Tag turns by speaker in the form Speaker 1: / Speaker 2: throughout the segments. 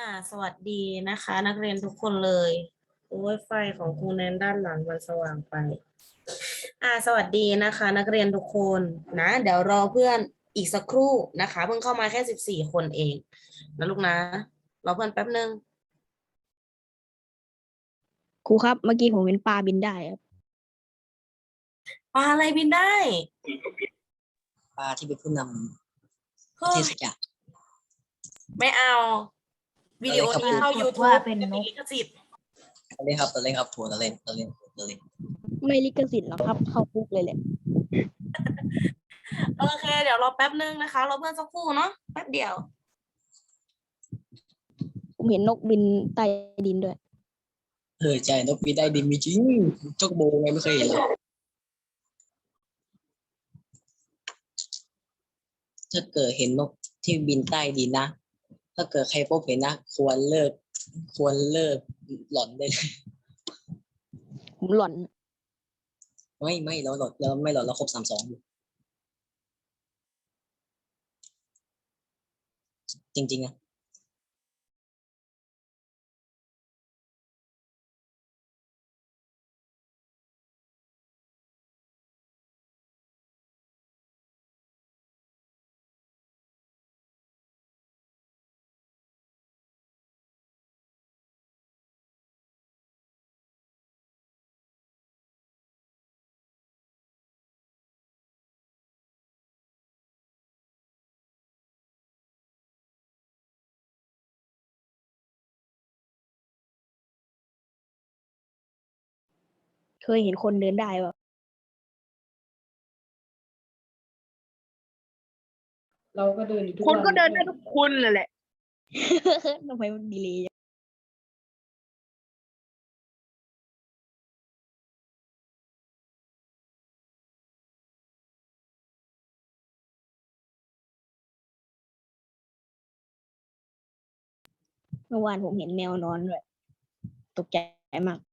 Speaker 1: สวัสดีนะคะ นักเรียนทุกคนเลย โอ้ยไฟของครูแนนด้านหลังมันสว่างไป สวัสดีนะคะ นักเรียนทุกคนนะ เดี๋ยวรอเพื่อนอีกสักครู่นะคะ เพิ่งเข้ามาแค่14 คนเองนะลูกนะรอเพื่อนแป๊บนึง
Speaker 2: ครูครับเมื่อกี้ผมเห็นปลาบินได้ครับ
Speaker 1: ปลาอะไรบินได้
Speaker 3: ปลาที่เป็นผู้นำป
Speaker 1: เฮ้
Speaker 3: ระเท
Speaker 1: ย
Speaker 3: ศสักอย่าง
Speaker 1: ไม่เอาวิดีโอนี้เข้า YouTube
Speaker 2: ว่าเป็นนก
Speaker 1: ลิขสิทธิ์
Speaker 3: เราเล่นครับเราเล่นครับทัวร์เราเล่น
Speaker 2: ไม่ลิขสิทธิ์หรอกครับ เข้าคุกเลยแหละ
Speaker 1: โอเค เดี๋ยวรอแป๊บนึงนะคะรอเพื่อนสักครู่เนาะแป๊บเดียว
Speaker 2: ผมเห็นนกบินใต้ดินด้วย
Speaker 3: ใช่นกบินได้ดินมีจริงจกโบไงไม่เคยเห็นเลยถ้าเกิดเห็นนกที่บินใต้ดินนะถ้าเกิดใครพบเห็นนะควรเลิกหล่อนได้เลย
Speaker 2: ผมหล่อน
Speaker 3: ไม่เราหล่อนเราไม่หล่อนเราครบ32อยู่จริงๆอะ
Speaker 2: เคยเห็นคนเดินได้ป่ะ
Speaker 4: เราก็เดินอยู่ทุก
Speaker 2: คน
Speaker 4: วัน
Speaker 2: ก็เดินได้ทุกคนเลยแหละ ทำไมมันดีเลยเมื่อวานผมเห็นแมวนอนด้วยตกใจมาก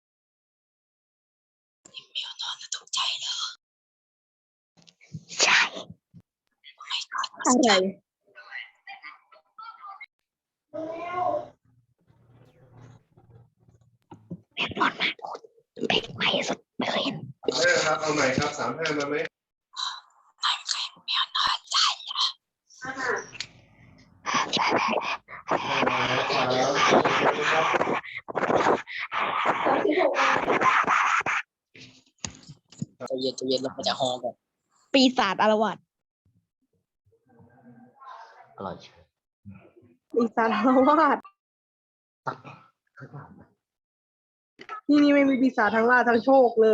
Speaker 3: ตกใจเลย
Speaker 2: ใช่อะไรแมวนอนมากเด็กใหม่สุดไม่เคยเห็น
Speaker 5: ครับเอาใหม่ครับ35มาไหม
Speaker 3: ใจเย็นเราจะฮอก่อน
Speaker 2: ปีศาจอารวาส
Speaker 3: อร่อยเชียว
Speaker 4: ปีศาจอารวาสที่นี่ไม่มีปีศาจทั้งล่าทั้งโชคเลย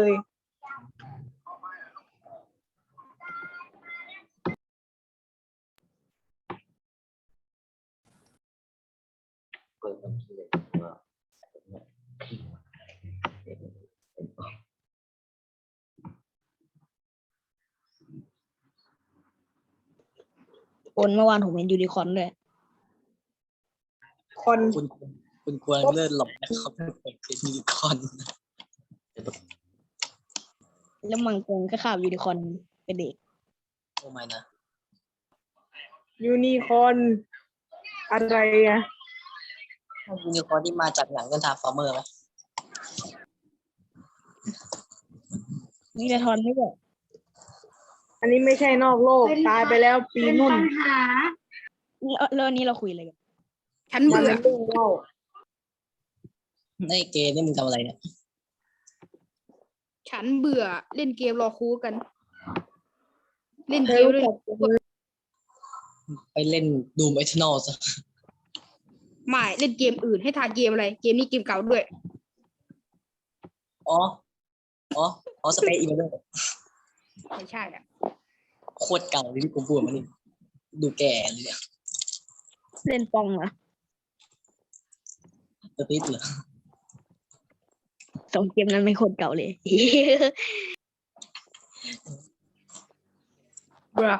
Speaker 2: คนเมื่อวานผมเห็นยูนิคอร์นด้วย
Speaker 4: คน
Speaker 3: คุณควรเลิศหลอกนะครับเป็นยูนิคอร์น
Speaker 2: แล้วมังกรก็ข่าวยูนิคอร์นเป็นเด็ก
Speaker 3: โอ้ไม่นะ
Speaker 4: ยูนิคอร์นอะไรอะ
Speaker 3: ยูนิคอร์นที่มาจากหนังเรื่องทาร์ฟอร์เมอร์ไหม
Speaker 2: นี่จะทอนไม่บอก
Speaker 4: อันนี้ไม่ใช่นอกโลกตายไปแล้วปีนุ่น
Speaker 2: แล้วอันนี้เราคุยอะไรกัน
Speaker 4: ฉันเบื่อเรื่องเล่า
Speaker 3: ในเกมนี่มึงทำอะไรเนี่ย
Speaker 6: ฉันเบื่อเล่นเกมรอคูกัน เล่น
Speaker 4: เธ
Speaker 6: เก
Speaker 4: อ
Speaker 6: ม
Speaker 4: รู้
Speaker 6: ด้วย
Speaker 4: จัก
Speaker 3: ไปเล่นดูมไอทนอลซะ
Speaker 6: ไม่เล่นเกมอื่นให้ทายเกมอะไร เกมนี้เกมเก่าด้วย
Speaker 3: อ๋อสเปซอีเวนต์
Speaker 6: ไม่ใช่อ่ะ
Speaker 3: โคตรเก่าเลยที่กูพูดมานี่ดูแก่เลยเนี่ย
Speaker 2: เล่นปองเหรอ
Speaker 3: สเปซเหรอ
Speaker 2: สองเกมนั้นไม่คนเก่าเลย
Speaker 6: บรา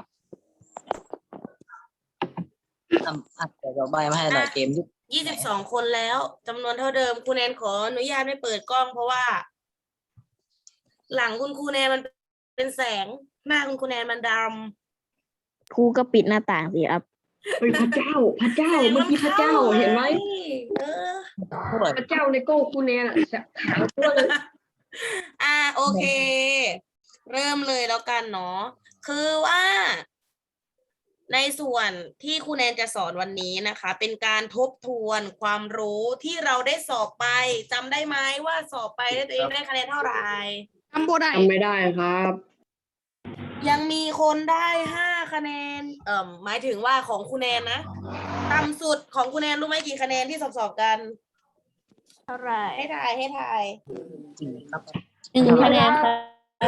Speaker 3: แต่เราใบมาให้หน่อยเกมยุค
Speaker 1: 22 คนแล้วจำนวนเท่าเดิมครูแนนขออนุญาตไม่เปิดกล้องเพราะว่า หลังคุณครูแนนมันเป็นแสงหน้าคุณครูแนนมันด
Speaker 2: ครูก็ปิดหน้าต่างสิครับ
Speaker 1: ำ
Speaker 7: เฮ้ยพระเจ้าเมื่อกี้พระเจ้าเห็นไหม
Speaker 1: เออ
Speaker 3: เท่าไหร่
Speaker 7: พระเจ้าในโก้คุณเนี่ยขาวตัวเลย
Speaker 1: โอเค เริ่มเลยแล้วกันเนาะคือว่า ในส่วนที่ครูแนนจะสอนวันนี้นะคะ เป็นการทบทวนความรู้ที่เราได้สอบไปจำได้ไหมว่าสอบไปแล้วตัวเองได้คะแนนเท่าไหร่
Speaker 6: ทำโบได้
Speaker 7: ทำไม่ได้ครับ
Speaker 1: ยังมีคนได้5 คะแนนหมายถึงว่าของครูแนนนะต่ำสุดของครูแนนรู้ไหมกี่คะแนนที่สอบกัน
Speaker 2: เท่าไหร่
Speaker 1: ให้ทาย
Speaker 3: จริงครับ
Speaker 2: 1 คะแนนครับ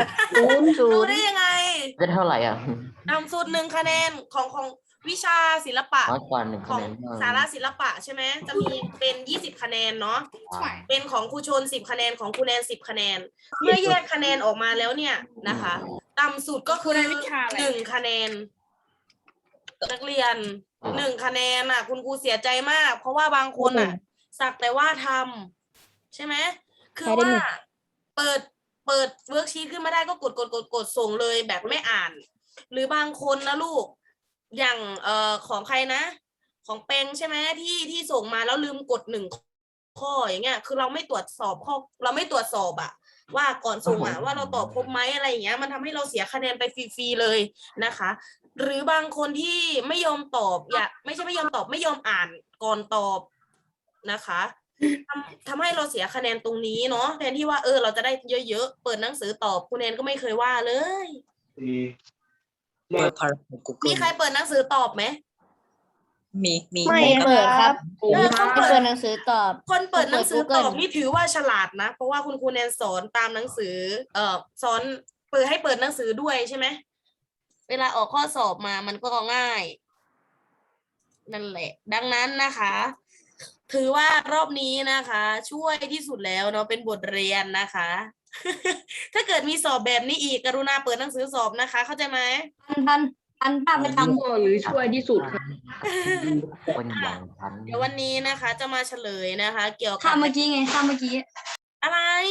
Speaker 2: 0
Speaker 1: รู้ได้ยังไง
Speaker 8: ได้เท่าไหร่อ่ะ
Speaker 1: ต่ำสุด1 คะแนนของวิชาศิลปะ
Speaker 8: น้อยกว่า1
Speaker 1: ข
Speaker 8: คะ
Speaker 1: อง
Speaker 8: แนน
Speaker 1: สาระศิลปะใช่ไหมจะมีเป็น20 คะแนนเนาะเป็นของครูชน10 คะแนนของครูแนน10 คะแนนเมื่อแยกคะแนนออกมาแล้วเนี่ยนะคะต่ำสุดก็คือ1 คะแนน นักเรียน1 คะแนนอ่ะ คุณครูเสียใจมาก เพราะว่าบางคนอ่ะ สักแต่ว่าทำใช่ไหมคือว่าเปิดเวิร์กชีตขึ้นมาได้ก็กดส่งเลยแบบไม่อ่าน หรือบางคนนะลูกอย่างของใครนะ ของเปงใช่ไหมที่ส่งมาแล้วลืมกด1 ข้ออย่างเงี้ยคือเราไม่ตรวจสอบข้อเราไม่ตรวจสอบอะว่าก่อนส่งอะว่าเราตอบครบไหมอะไรอย่างเงี้ยมันทำให้เราเสียคะแนนไปฟรีๆเลยนะคะ หรือบางคนที่ไม่ยอมตอบไม่ใช่ไม่ยอมตอบไม่ยอมอ่านก่อนตอบนะคะทำให้เราเสียคะแนนตรงนี้เนาะแทนที่ว่าเราจะได้เยอะๆเปิดหนังสือตอบคุณแนนก็ไม่เคยว่าเลย
Speaker 5: สี่
Speaker 3: โดยพลังของ Google
Speaker 1: มีใครเปิดหนังสือตอบไหม
Speaker 3: มี
Speaker 2: ไม่เปิดครับ
Speaker 1: เขา
Speaker 2: ไม่เปิดหนังสือตอบ
Speaker 1: คนเปิดหนังสือตอบ
Speaker 2: Google
Speaker 1: นี่ถือว่าฉลาดนะ เพราะว่าคุณครูแนนสอนตามหนังสือสอนเปิดให้เปิดหนังสือด้วยใช่ไหมเวลาออกข้อสอบมามันก็ง่ายนั่นแหละ ดังนั้นนะคะ ถือว่ารอบนี้นะคะ ช่วยที่สุดแล้วเนาะเป็นบทเรียนนะคะ ถ้าเกิดมีสอบแบบนี้อีกกรุณาเปิดหนังสือสอบนะคะ เข้าใจไหม
Speaker 2: ทันป้าไปทำ
Speaker 7: ก็หรือช่วยที่สุดครับ
Speaker 8: คนอย่างฉัน
Speaker 1: เดี๋ยววันนี้นะคะ จะมาเฉลยนะคะ เกี่ยวกั
Speaker 2: ข้ามเมื่อกี้ไงข้ามเมื่อกี้
Speaker 1: อะไร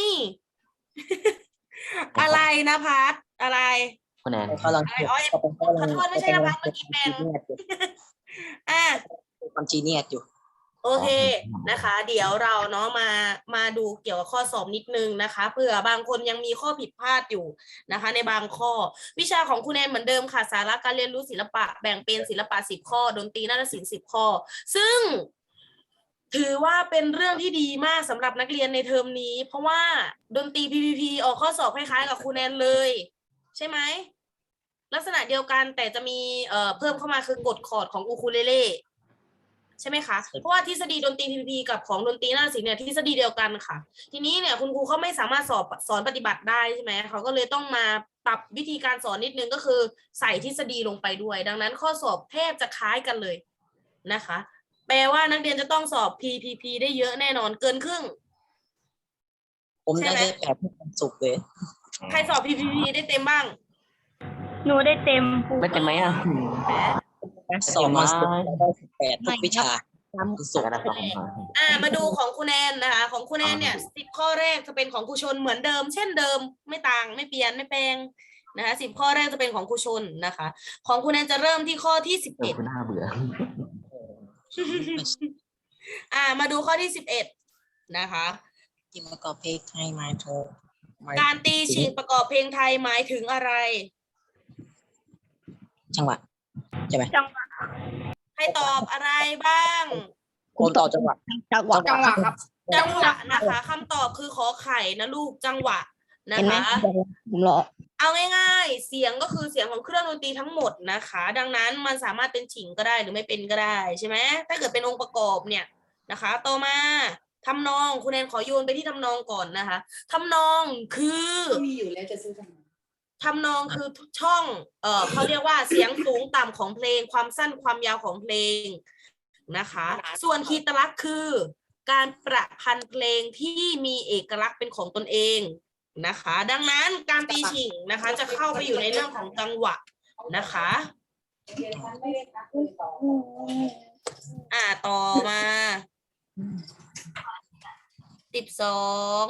Speaker 1: อะไรนะพัดอะไร
Speaker 8: คะแนน
Speaker 3: เขาลัง
Speaker 1: อ๋อขอโทษไม่ใช่นะพัดเมื่อกี้เป็น อ่ะ
Speaker 3: ความจีเนียสอยู่
Speaker 1: โอเคนะคะ เดี๋ยวเราเนาะมาดูเกี่ยวกับข้อสอบนิดนึงนะคะเผื่อบางคนยังมีข้อผิดพลาดอยู่นะคะ ในบางข้อวิชาของคุณแนนเหมือนเดิมค่ะสาระการเรียนรู้ศิลปะแบ่งเป็นศิลปะ10 ข้อดนตรีนาฏศิลป์10 ข้อ ซึ่งถือว่าเป็นเรื่องที่ดีมากสำหรับนักเรียนในเทอมนี้ เพราะว่าดนตรี PPP ออกข้อสอบคล้ายๆกับคุณแนนเลย ใช่ไหมลักษณะเดียวกันแต่จะมีเพิ่มเข้ามาคือกฎคอร์ดของอูคูเลเล่ใช่ไหมคะ เพราะว่าทฤษฎีดนตรี PPP กับของดนตรีนาฏศิลป์เนี่ยทฤษฎีเดียวกันค่ะ ทีนี้เนี่ยคุณครูเขาไม่สามารถสอนปฏิบัติได้ใช่ไหมเขาก็เลยต้องมาปรับวิธีการสอนนิดนึงก็คือใส่ทฤษฎีลงไปด้วย ดังนั้นข้อสอบแทบจะคล้ายกันเลยนะคะ แปลว่านักเรียนจะต้องสอบ PPP ได้เยอะแน่นอนเกินครึ่ง
Speaker 3: ผมได้แค่8ทุกวันศุกร์เลย
Speaker 1: ใครสอบ PPP ได้เต็มบ้าง
Speaker 2: หนูได้เต็ม
Speaker 8: ไม่เป็นไหมอ่ะ
Speaker 3: สอบมาศุกร์ได้18ทุกวิชาศุก
Speaker 8: ก
Speaker 3: ร์
Speaker 8: ระดาษของมา
Speaker 1: มาดูของคุณแนนนะคะของคุณแนนเนี่ย10 ข้อแรกจะเป็นของครูชนเหมือนเดิม เช่นเดิมไม่ต่างไม่เปลี่ยนไม่แปลงนะคะ10 ข้อแรกจะเป็นของครูชนนะคะ ของคุณแนนจะเริ่มที่ข้อที่11
Speaker 8: คุณน่าเบื่อ
Speaker 1: มาดูข้อที่11นะคะ
Speaker 3: ที่ประกอบเพลงไทยมาโทร
Speaker 1: การตีฉิงประกอบเพลงไทยหมายถึงอะไร
Speaker 3: จังหวะใช่ไหม
Speaker 1: ให้ตอบอะไรบ้าง
Speaker 3: ผมตอบจังหวะ
Speaker 2: จังหวะ
Speaker 6: จังหวะครับ
Speaker 1: จังหวะนะคะคำตอบคือขอไข่นะลูกจังหวะนะ
Speaker 2: เห็นไหม
Speaker 1: คะ
Speaker 2: ผมรอ
Speaker 1: เอาง่ายๆ เสียงก็คือเสียงของเครื่องดนตรีทั้งหมดนะคะ ดังนั้นมันสามารถเป็นฉิงก็ได้หรือไม่เป็นก็ได้ใช่ไหมถ้าเกิดเป็นองค์ประกอบเนี่ยนะคะต่อมาทำนองคุณแนนขอโยนไปที่ทำนองก่อนนะคะทำนองคือมีอยู่แล้วจะซื้อทำนองคือช่องเขาเรียกว่าเสียงสูงต่ำของเพลงความสั้นความยาวของเพลงนะคะส่วนคีตลักษณ์คือการประพันธ์เพลงที่มีเอกลักษณ์เป็นของตนเองนะคะดังนั้นการตีฉิงนะคะจะเข้าไปอยู่ในเรื่องของจังหวะนะคะต่อมา12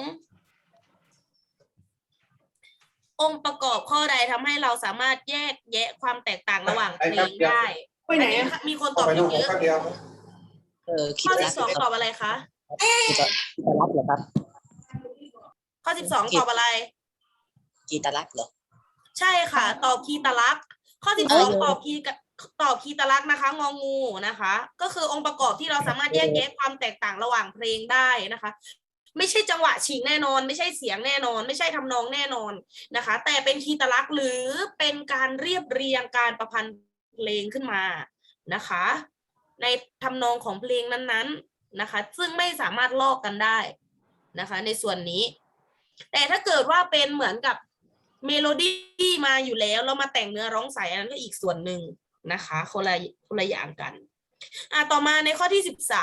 Speaker 1: องค์ประกอบข้อใดทำให้เราสามารถแยกแยะความแตกต่างระหว่างเพลงได้
Speaker 4: ไปไหน
Speaker 1: อันนี้
Speaker 4: อะ
Speaker 1: มีคนต
Speaker 5: เอา
Speaker 1: อบ
Speaker 5: ไป
Speaker 1: เย
Speaker 5: น้องผม
Speaker 1: อะ
Speaker 5: ข้างเดียวครับ
Speaker 3: คิ
Speaker 1: ข้อ
Speaker 3: ดรัก
Speaker 1: 12ตอบอะไรคะ
Speaker 3: กีตารักเหรอครับ
Speaker 1: ข้อ12ตอบอะไร
Speaker 3: กีตารักเหรอ
Speaker 1: ใช่ค่ะ ตอบคีตลักษณ์ข้อ12ตอบคีตลักษณ์นะคะ งองูนะคะ ก็คือองค์ประกอบที่เราสามารถแยกแยะความแตกต่างระหว่างเพลงได้นะคะ ไม่ใช่จังหวะฉีกแน่นอน ไม่ใช่เสียงแน่นอน ไม่ใช่ทำนองแน่นอนนะคะ แต่เป็นคีตลักษณ์หรือเป็นการเรียบเรียงการประพันธ์เพลงขึ้นมานะคะ ในทำนองของเพลงนั้นๆนะคะ ซึ่งไม่สามารถลอกกันได้นะคะ ในส่วนนี้ แต่ถ้าเกิดว่าเป็นเหมือนกับเมโลดี้มาอยู่แล้วเรามาแต่งเนื้อร้องใส่อันนั้นก็อีกส่วนหนึ่งนะคะคนละอย่างกันต่อมาในข้อที่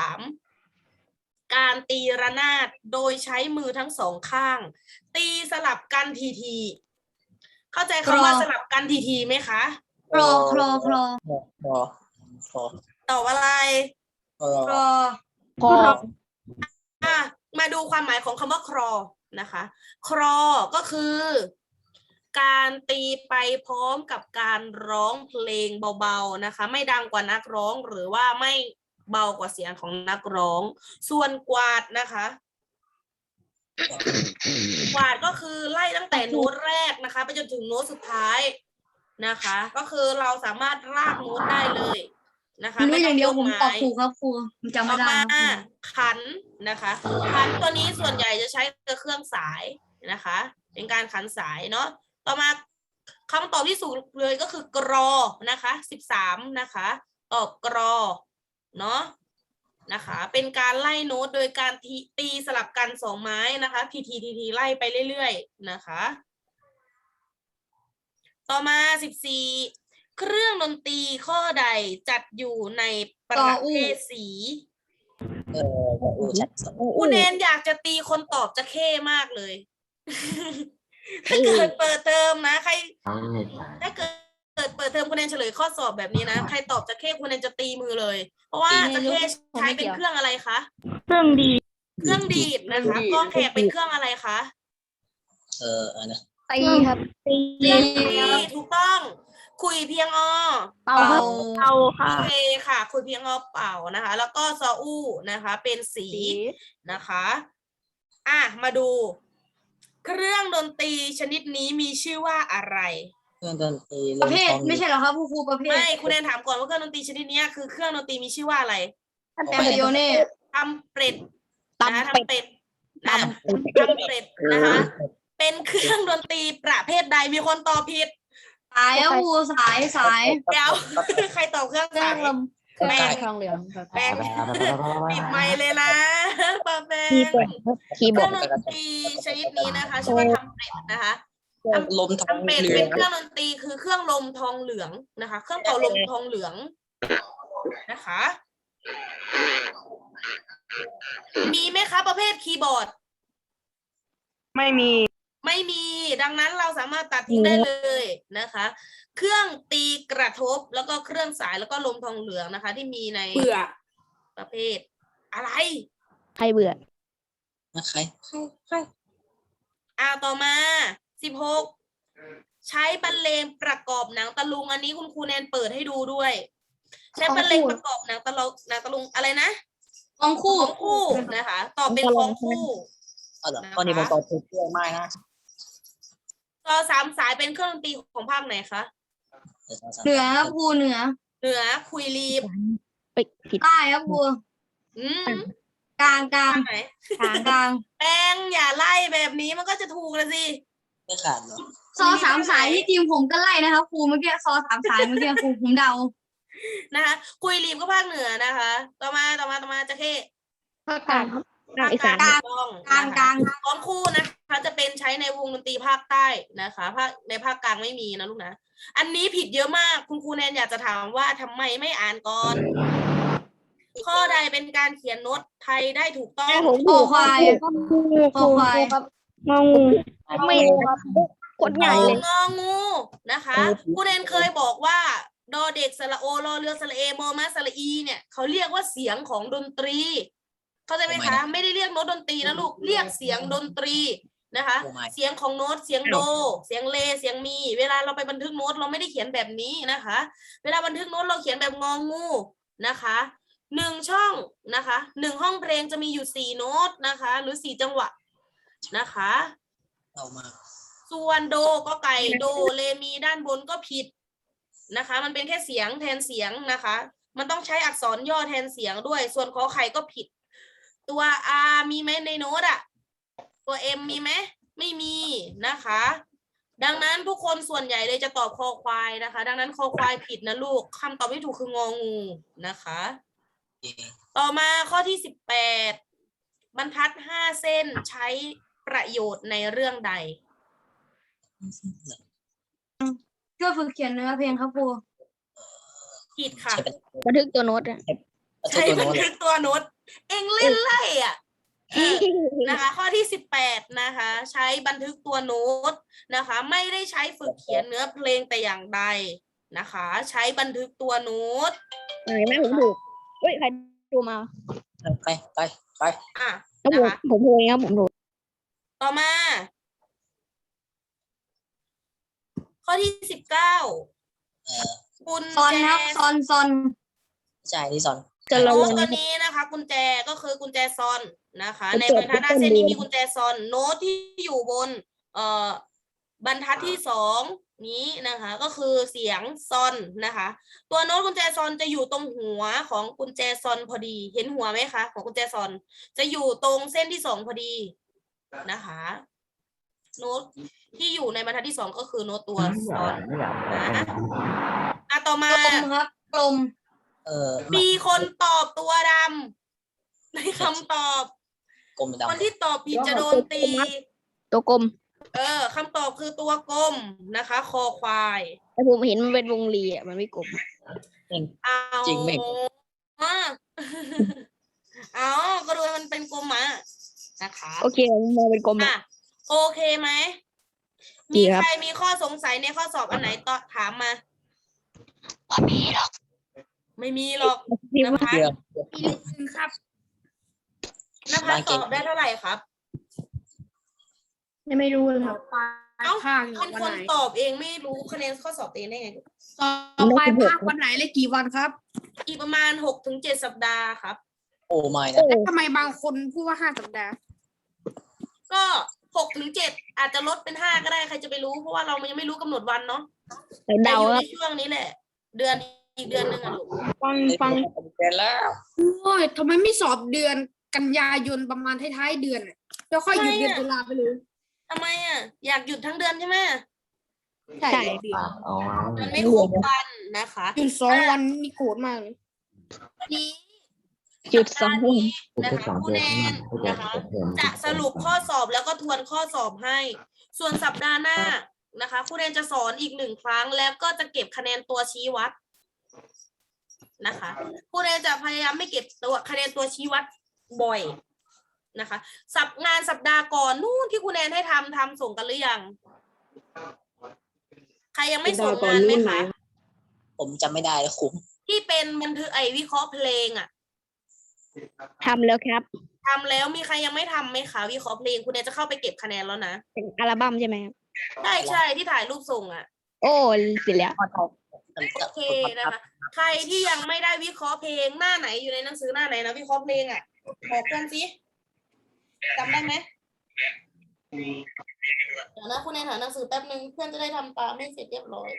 Speaker 1: 13การตีระนาดโดยใช้มือทั้งสองข้าง ตีสลับกันทีเข้าใจคำว่าสลับกันทีไหมคะ
Speaker 2: คลอ
Speaker 3: พอ
Speaker 1: ตอบอะไร
Speaker 3: พอ
Speaker 2: คลอ
Speaker 1: มาดูความหมายของคำว่าครอนะคะ ครอก็คือ การตีไปพร้อมกับการร้องเพลงเบาๆนะคะ ไม่ดังกว่านักร้องหรือว่าไม่เบากว่าเสียงของนักร้อง ส่วนกวาดนะคะ กวาดก็คือไล่ตั้งแต่โน้ตแรกนะคะ ไปจนถึงโน้ตสุดท้ายนะคะ ก็คือเราสามารถลากโน้ตได้เลยนะคะ
Speaker 2: รู้อย่างเดียวผมตอบ
Speaker 1: ไ
Speaker 2: ถูกครับครูผมจำ
Speaker 1: ต่
Speaker 2: ไม่
Speaker 1: อ
Speaker 2: ได้
Speaker 1: มา
Speaker 2: ครับ
Speaker 1: ขันนะคะขันตัวนี้ส่วนใหญ่จะใช้กับเครื่องสายนะคะ เป็นการขันสายเนาะต่อมาคำตอบที่ถูกเลยก็คือกรอนะคะ13นะคะตอบกรอเนาะนะคะ เป็นการไล่โน้ตโดยการตีสลับกันสองไม้นะคะทีไล่ไปเรื่อยๆนะคะ ต่อมา14เครื่องดนตรีข้อใดจัดอยู่ในประเภทสี
Speaker 3: ชัดสอง
Speaker 1: คุณแนนอยากจะตีคนตอบจะเข้มากเลย ถ้าเกิดเปิดเทอมนะใคร ถ้าเกิดเปิดเทอมคุณแนนเฉลยข้อสอบแบบนี้นะใครตอบจะเข้คุณแนนจะตีมือเลย เพราะว่าจะเข้ใช้เป็นเครื่องอะไรคะ
Speaker 4: เครื่องดี
Speaker 1: เครื่องดีดนะคะกล้องแขกเป็นเครื่องอะไรคะ
Speaker 3: อันนะ
Speaker 2: ตีครับตี
Speaker 1: เครื่องตีถูกต้อง คุยเพียงอ
Speaker 2: เป่าครับ
Speaker 4: เอาค่ะ
Speaker 1: โอเคค่ะ คุยเพียงอเป่านะคะ แล้วก็ซออู้นะคะ เป็นสีนะคะมาดู เครื่องดนตรีชนิดนี้มีชื่อว่าอะไร
Speaker 3: เครื่องดนตรี
Speaker 2: ประเภทไม่ใช่เหรอครับครูประเภท
Speaker 1: ไม่คุณแนนถามก่อนว่าเครื่องดนตรีชนิดนี้คือเครื่องดนตรีมีชื่อว่าอะไร
Speaker 2: แตมปิโอเน่
Speaker 1: ทำเป็ดนะคะ
Speaker 2: ตำเป็ด
Speaker 1: ทำเป็ดนะคะ เป็นเครื่องดนตรีประเภทใดมีคนตอบผิด
Speaker 2: สายครับครูสาย
Speaker 1: เดี๋ยว ใครตอบเครื่อง
Speaker 2: เครื่อ
Speaker 1: สาง ย
Speaker 2: ลมเครื่อง
Speaker 1: แป้ง
Speaker 2: ทองเหลืองครับ
Speaker 1: แป้งปิดไมค์เลยนะปาแป้ง
Speaker 2: คี
Speaker 1: เค
Speaker 2: ย์บอ
Speaker 1: รื่
Speaker 2: ร์
Speaker 1: อง
Speaker 2: ด
Speaker 1: ดนตรีชนิดนี้นะคะชื่อว่าทำเป็ดนะคะ
Speaker 3: ลมทอง
Speaker 1: ทำเป็ด
Speaker 3: เหลื
Speaker 1: เป็
Speaker 3: อน ง
Speaker 1: เครื่องดนตรีคือเครื่องลมทองเหลืองนะคะ เครื่องเป่าลมทองเหลืองนะคะ มีไหมคะประเภทคีย์บอร์ด
Speaker 4: ไม่มี
Speaker 1: ไม่มีดังนั้นเราสามารถตัดทิ้งได้เลยนะคะ เครื่องตีกระทบแล้วก็เครื่องสายแล้วก็ลมทองเหลืองนะคะ ที่มีใน
Speaker 6: เบื่อ
Speaker 1: ประเภทอะไร
Speaker 2: ใครเบื่อ
Speaker 3: นะใคร
Speaker 1: ต่อมา16ใช้บรรเลงประกอบหนังตะลุงอันนี้คุณครูแนนเปิดให้ดูด้วย ใช้บรรเลงประกอบหนังตะลุงอะไรนะ
Speaker 2: ของคู่
Speaker 1: ของคู่นะคะ ตอบเป็นของคู่
Speaker 3: เหรอข้อนี้ผมตอบถูกเยอะมากนะ
Speaker 1: ต่อ3สายเป็นเครื่องดนตรีของภาคไหนคะ
Speaker 2: เหนือครับครูเหนือ
Speaker 1: เหนือคุยรีบ
Speaker 2: ผิดใต้ครับครู
Speaker 1: อืม
Speaker 2: กลาง
Speaker 1: ภาคไหน
Speaker 2: กลาง
Speaker 1: แป้งอย่าไล่แบบนี้มันก็จะถูกแล้วสิ
Speaker 3: ไม่ขาดเหรอ
Speaker 2: ซอสามสายที่ทีมผมก็ไล่นะครับครูเมื่อกี้ซอสามสายเมื่อกี้ครูผมเดา
Speaker 1: นะคะคุยรีบก็ภาคเหนือนะคะ ต่อมาจะเข้
Speaker 2: ภาคกลางครับ
Speaker 1: ภาคกลางถูกต้อง
Speaker 2: กลาง
Speaker 1: นะคะของคู่นะคะจะเป็นใช้ในวงดนตรีภาคใต้นะคะในภาคกลางไม่มีนะลูกนะ อันนี้ผิดเยอะมากคุณครูแนนอยากจะถามว่าทำไมไม่อ่านก่อน ข้อใดเป็นการเขียนโน้ตไทยได้ถูกต้อง
Speaker 2: คอควายคอควาย
Speaker 4: งองู
Speaker 2: ไม่ครับกดใหญ่เลย
Speaker 1: งองูนะคะครูแนนเคยบอกว่าดอเด็กสระโอรอเรือสระเอมอม้าสระอีเนี่ยเขาเรียกว่าเสียงของดนตรีเข้าใจไหมคะไม่ได้เรียกโน้ตดนตรีนะลูกเรียกเสียงดนตรีนะคะ
Speaker 3: โอ้ my
Speaker 1: เสียงของโน้ตเสียงโด เสียงเลเสียงมี เวลาเราไปบันทึกโน้ตเราไม่ได้เขียนแบบนี้นะคะ เวลาบันทึกโน้ตเราเขียนแบบงองูนะคะ1 ช่องนะคะ1 ห้องเพลงจะมีอยู่4 โน้ตนะคะ หรือ4 จังหวะนะคะ
Speaker 3: เอามา
Speaker 1: ส่วนโดก็ไก่โดเลมีด้านบนก็ผิดนะคะ มันเป็นแค่เสียงแทนเสียงนะคะ มันต้องใช้อักษรย่อแทนเสียงด้วย ส่วนขอไข่ก็ผิด ตัว R มีไหมในโน้ตอะตัว M มีไหมไม่มีนะคะ ดังนั้นทุกคนส่วนใหญ่เลยจะตอบคอควายนะคะ ดังนั้นคอควายผิดนะลูกคำตอบที่ถูกคืององูนะคะ ต่อมาข้อที่18บรรทัด5 เส้นใช้ประโยชน์ในเรื่องใด
Speaker 2: ช่วยฝึกเขียนเนื้อเพลงครับครู
Speaker 1: ผิดค่ะ
Speaker 3: ใช่เป็น
Speaker 6: บันทึกตัวโน้ตอะ
Speaker 3: ใช่
Speaker 1: ใช้
Speaker 3: ตัว
Speaker 1: บัน
Speaker 3: โน้ต
Speaker 1: ทึกตัวโน้ตเองเล่นไล่อ่ะนะคะ ข้อที่18นะคะ ใช้บันทึกตัวโน้ตนะคะ ไม่ได้ใช้ฝึกเขียนเนื้อเพลงแต่อย่างใดนะคะ ใช้บันทึกตัวโน้ต
Speaker 6: ไหนแม่ผมถูกเฮ้ยใครดูมา
Speaker 3: ไป
Speaker 1: อ่ะ
Speaker 6: แล้ว
Speaker 1: นะคะ
Speaker 6: ผมถูกเองครับผมถูก
Speaker 1: ต่อมา ข้อที่19กุญ
Speaker 2: ซอน
Speaker 1: แจ
Speaker 2: ครับซอน
Speaker 3: ใช่ที่สอน
Speaker 6: จะระ
Speaker 1: โน้
Speaker 6: วั
Speaker 1: ต
Speaker 6: ง
Speaker 1: ตัวนี้นะคะ กุญแจก็คือกุญแจซอนนะคะ
Speaker 6: กุญ
Speaker 1: ใน
Speaker 6: แจ
Speaker 1: บรรทัดหน้าเส้นนี้
Speaker 6: ต้นเดือน
Speaker 1: มีกุญแจซอนโน้ตที่อยู่บนบรรทัดที่2นี้นะคะ ก็คือเสียงซอนนะคะ ตัวโน้ตกุญแจซอนจะอยู่ตรงหัวของกุญแจซอนพอดีเห็นหัวไหมคะของกุญแจซอนจะอยู่ตรงเส้นที่2พอดีนะคะ โน้ตที่อยู่ในบรรทัดที่2ก็คือโน้ตตัวซอนนะต่อ
Speaker 2: ๆ
Speaker 1: มา
Speaker 2: กลมครับกลม
Speaker 1: มีคนตอบตัวดำในคำตอบ
Speaker 3: กลม
Speaker 1: คน
Speaker 3: ดำ
Speaker 1: ที่ตอบผิดจะโดนตี
Speaker 6: ตัวกลม
Speaker 1: คำตอบคือตัวกลมนะคะ คอควาย
Speaker 6: แต่ผมเห็นมันเป็นวงรีอ่ะมันไม่กลม
Speaker 1: เอา
Speaker 3: จริงไหม
Speaker 1: เอาก็ดูมันเป็นกลมมานะคะ
Speaker 6: โอเคผมมองเป็นกลม
Speaker 1: อ่ะ
Speaker 6: อะ
Speaker 1: โอเคไหม
Speaker 6: ดี
Speaker 1: มี
Speaker 6: ครับ
Speaker 1: ใครมีข้อสงสัยในข้อสอบอันไหนต่อถามมา
Speaker 6: ไม่มีหรอก
Speaker 1: ไม่มีหรอก
Speaker 6: พี่
Speaker 1: น
Speaker 6: ว่า
Speaker 1: ภัส
Speaker 3: เกือบ
Speaker 2: ครับ
Speaker 1: นภัสตอบได้เท่าไหร่ครับ
Speaker 7: ไม่รู้เลยครับ
Speaker 1: เอ้า
Speaker 7: ภาค
Speaker 1: เป็นคนตอบเองไม่รู้คะแนนข้อสอบตัวเองได้ไง
Speaker 7: ต่อไปภาควันไหนและกี่วันครับ
Speaker 1: อีกประมาณ6 ถึง 7 สัปดาห์ครับ
Speaker 3: โอ้ไม่นะ
Speaker 7: ทำไมบางคนพูดว่า5 สัปดาห์
Speaker 1: ก็6 ถึง 7อาจจะลดเป็น5ก็ได้ใครจะไปรู้เพราะว่าเรายังไม่รู้กำหนดวันเนาะแต่
Speaker 6: เดา
Speaker 1: อยู่
Speaker 6: ค
Speaker 1: ใน
Speaker 6: รับ
Speaker 1: ช่วงนี้แหละ อีกเดือนหนึ่งอะลูก
Speaker 4: ฟัง
Speaker 3: เกินแล้ว
Speaker 7: โอ้ยทำไมไม่สอบเดือนกันยายนประมาณท้ายๆเดือนอะแล้วค่อยหยุดเดือนตุลาไปเลย
Speaker 1: ทำไมอะอยากหยุดทั้งเดือนใช่ไหม
Speaker 6: ใช่
Speaker 8: อ๋อ
Speaker 1: มันไม่ครบวันนะคะ
Speaker 7: หยุด2 วันนี่โกรธมากเลย
Speaker 1: วันนี้
Speaker 6: จุดสอง
Speaker 1: สัปดาห์
Speaker 6: วัน
Speaker 1: นี้นะคะผู้แนนนะคะ จะสรุปข้อสอบแล้วก็ทวนข้อสอบให้ ส่วนสัปดาห์หน้านะคะผู้แนนจะสอนอีก1 ครั้งแล้วก็จะเก็บคะแนนตัวชี้วัดนะคะผู้แนนจะพยายามไม่เก็บตัวคะแนนตัวชี้วัดบ่อยนะคะงานสัปดาห์ก่อนนู่นที่คุณแนนให้ทำส่งกันหรือยังใครยังไม่ส่งงานไหมคะ
Speaker 3: ผมจำไม่ได้คุ้ม
Speaker 1: ที่เป็นบันทึกวิเคราะห์เพลงอ่ะ
Speaker 6: ทำแล้วครับ
Speaker 1: ทำแล้วมีใครยังไม่ทำไหมคะวิเคราะห์เพลงคุณแนนจะเข้าไปเก็บคะแนนแล้วนะ
Speaker 6: เป็นอัลบั้มใช่ไหมครับ
Speaker 1: ใช่ที่ถ่ายรูปส่งอ่ะ
Speaker 6: โอ้เสร็จแล้ว
Speaker 1: โอเคนะคะใครที่ยังไม่ได้วิเคราะห์เพลงหน้าไหนอยู่ในหนังสือหน้าไหนนะวิเคราะห์เพลงอ่ะบอกเพื่อนสิจำได้ไหมเดี๋ยวนะคุณแนนหาหนังสือแป๊บนึงเพื่อนจะได้ทำตามให้เสร็จเรียบร้อย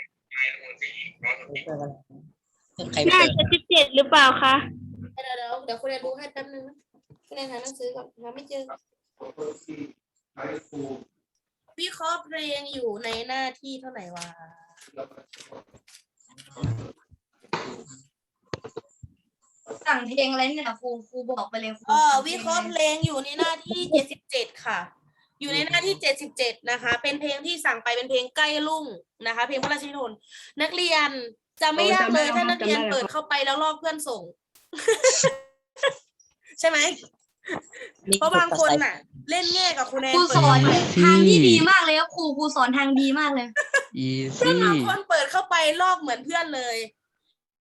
Speaker 3: ใครเปิด
Speaker 6: 77หรือเปล่าคะ
Speaker 1: เดี๋ยวคุณแนนดูให้แป๊บนึงนะคุณแนนหาหนังสือก่อนหาไม่เจอ วิเคราะห์เพลงอยู่ในหน้าที่เท่าไหร่วะ
Speaker 2: สั่งเพลงอะไรเนี่ยครูบอกไปเลยครู
Speaker 1: วิเคราะห์เพลงอยู่ในหน้าที่77ค่ะ อยู่ในหน้าที่77นะคะ เป็นเพลงที่สั่งไปเป็นเพลงใกล้รุ่งนะคะ เพลงพระราชนิพนธ์นักเรียนจะไม่ยากเลยถ้านักเรียนเปิดเข้าไปแล้วลอกเพื่อนส่ง ใช่ไหมเพราะบางคนน่ะ เล่นแง่กับคุณแนน
Speaker 2: ครูสอนทางที่ดีมากเลยครับครูสอนทางดีมากเลย
Speaker 8: อี
Speaker 1: เพื่อน
Speaker 8: ซี่
Speaker 1: บางคนเปิดเข้าไปลอกเหมือนเพื่อนเลย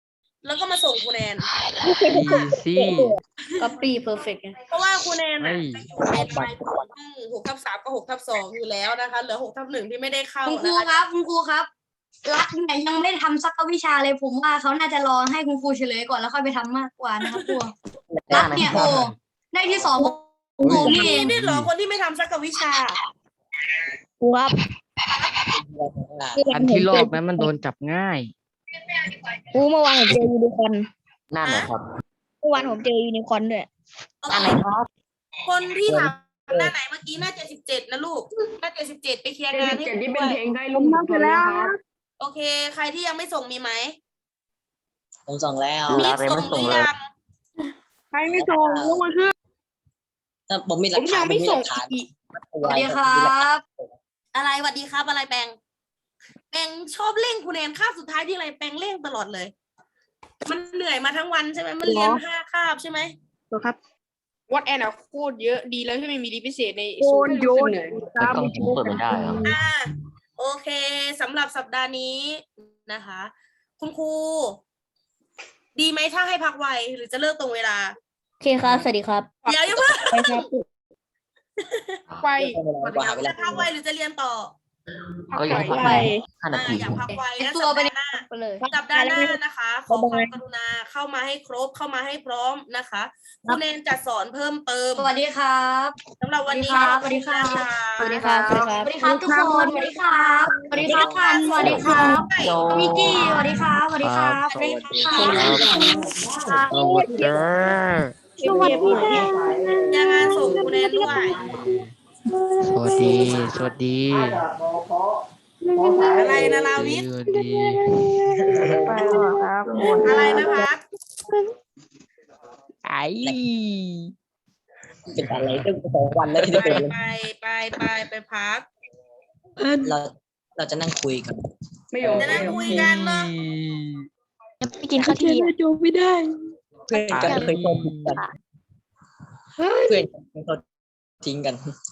Speaker 1: แล้วก็มาส่งครูแนน
Speaker 8: อีซี่
Speaker 2: copy perfect ไง
Speaker 1: เพราะว่าครูแนน
Speaker 8: เฮ้
Speaker 1: อะ
Speaker 8: ย
Speaker 1: ไปอยู่ใน6/3กับ6/2อยู่แล้วนะคะเหลือ6/1ที่ไม่ได้เข้า
Speaker 2: คุณครู
Speaker 1: นะคะ
Speaker 2: ครับคุณครูครับรักเนี่ยยังไม่ได้ทำสักวิชาเลยผมว่าเขาน่าจะรอให้คุณครูเฉลยก่อนแล้วค่อยไปทำมากกว่านะครับครูรักเนี่ยโอ้ได้ที่2ผมนี่เอง
Speaker 1: นี่เหรอคนที่ไม่ทำสักวิชา
Speaker 6: ครับ
Speaker 9: อันที่รอบนั้นมันโดนจับง่าย
Speaker 6: ครูเมื่อวานผมเจอยูนิคอร์น
Speaker 8: นั่นไหนครับ
Speaker 6: เมื่อวานผมเจอยูนิคอร์นด้วย
Speaker 8: นั่นไหนครับ
Speaker 1: คนที่ถามหน้าไหนเมื่อกี้หน้า77นะลูกหน้า77ไปเคลียร์งานให้
Speaker 4: เจ็ด
Speaker 1: ครู
Speaker 4: ที่เป็
Speaker 1: ด้
Speaker 4: น
Speaker 1: วย
Speaker 4: เพลงใกล้ลุงพลแล้วครับ
Speaker 1: โอเค ใครที่ยังไม่ส่งมีไหม
Speaker 3: ผมส่งแล้ว
Speaker 8: ดูแล้วเลยไม่ส่งเลย
Speaker 4: ใครไม่ส่งยกมือขึ้น
Speaker 3: ถ้าผมมีห
Speaker 6: ผ
Speaker 3: ลัก
Speaker 6: ม
Speaker 3: ฐา
Speaker 6: ยั
Speaker 3: น
Speaker 6: งไม่ส่ง
Speaker 3: ผหลักฐาน
Speaker 6: อีก
Speaker 2: สวัสดีครับ
Speaker 1: อะไรสวัสดีครับอะไรแปงแปงชอบเร่งครูแนนคาบสุดท้ายที่อะไรแปงเร่งตลอดเลย มันเหนื่อยมาทั้งวันใช่ไหมมันเรียน5 คาบใช่ไหม
Speaker 6: ครับ
Speaker 7: วัดแอนอะโคตรเยอะดีแล้วที่ไม่มีรีพิเศษใน
Speaker 4: โยนโยน
Speaker 8: ไม่ต้องเปิดไม่ได้เหรอ
Speaker 1: โอเคสำหรับสัปดาห์นี้นะคะ คุณครูดีไหมถ้าให้พักไวหรือจะเลิกตรงเวลา
Speaker 6: โอเคครับ สวัสดีครับ
Speaker 1: เดี๋ยวยังไม่
Speaker 6: ไปครับ
Speaker 7: ไป
Speaker 3: กว่าหาเวลา
Speaker 1: จะพักไวหรือจะเรียนต่อ
Speaker 8: ก็ยังพัก
Speaker 6: ไป
Speaker 8: 5 นาที
Speaker 1: อยากพักไวแล้ว
Speaker 2: ตัว
Speaker 1: สัป
Speaker 2: ไป
Speaker 1: ดาห์หน้า
Speaker 2: ไปเลย
Speaker 1: สัปดาห์หน้านะคะ ขอความกรุณาเข้ามาให้ครบเข้ามาให้พร้อมนะคะคุณเนนจะสอนเพิ่มเติม
Speaker 2: สวัสดีครับ
Speaker 1: สำหรับวันนี้
Speaker 2: สวัสดีครับ
Speaker 6: สวัสดีครับ สวัสดีครับ
Speaker 2: สวัสดีครับทุกคนสวัสดีครับสวัสดีครับทันสวัสดีครับ
Speaker 8: โย
Speaker 2: มิกกี้สวัสดีครับสวัสดีครับ
Speaker 8: สวัสดีค
Speaker 2: สวัสดี
Speaker 8: รับ
Speaker 2: ครับ
Speaker 9: สวัสดี
Speaker 6: สวัสดีค่ะ
Speaker 1: ยังงานส่งคุณเนนด้วย
Speaker 9: สวัสดี สวัสดี
Speaker 1: อะไรนะลาวิท
Speaker 9: สวัสดี
Speaker 1: อะไรนะพัก
Speaker 9: ไอ้
Speaker 3: เป็นอะไรตั้ง2 วันแล้วที่ได้เปิดเลย
Speaker 1: ไปพัก
Speaker 3: เราจะนั่งคุยกัน
Speaker 4: ไม่ยอม
Speaker 1: จะนั่งคุยกันเนาะ
Speaker 6: ยังไม่กินข้าวเที่ยง
Speaker 3: เพื่อนกันเคยโดนทิ้งกันเพื่อนกันเคยโดนทิ้งกัน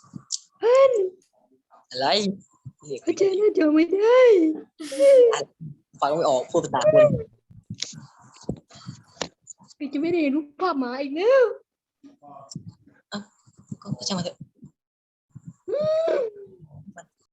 Speaker 3: อะไรเรียก
Speaker 6: เจอแล้วเจอไม่ได้
Speaker 3: ฟังไม่ออกพูดภาษาคน
Speaker 6: จะไม่ได้รูปภาพหมาอีกแล้ว
Speaker 3: ก็ช่างมันเถอะ